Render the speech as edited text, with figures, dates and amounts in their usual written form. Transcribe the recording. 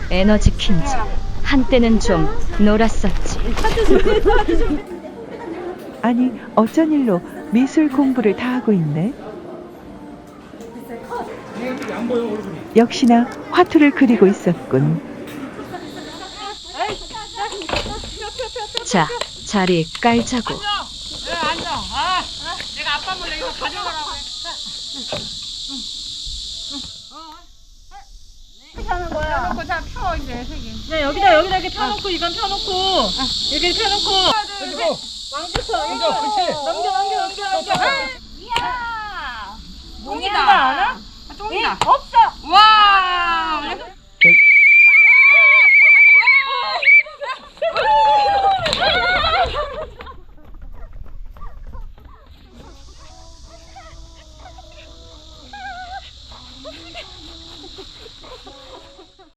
에너지 퀸즈. 한때는 좀 놀았었지. 아니, 어쩐 일로 미술 공부를 다 하고 있네. 역시나 화투를 그리고 있었군. 자, 자리 깔자고. 앉아. 내가 아빠 몰래 이거 가져가라고 해. 이렇게 하는 거야. 펴놓고 자 펴 이제 세 개. 네, 여기다 이렇게 펴놓고 이건 펴놓고 이렇게 펴놓고 왕부터 앉아. 그렇지. 넘겨. 이야. 똥이다. 똥이다. 없어. 와.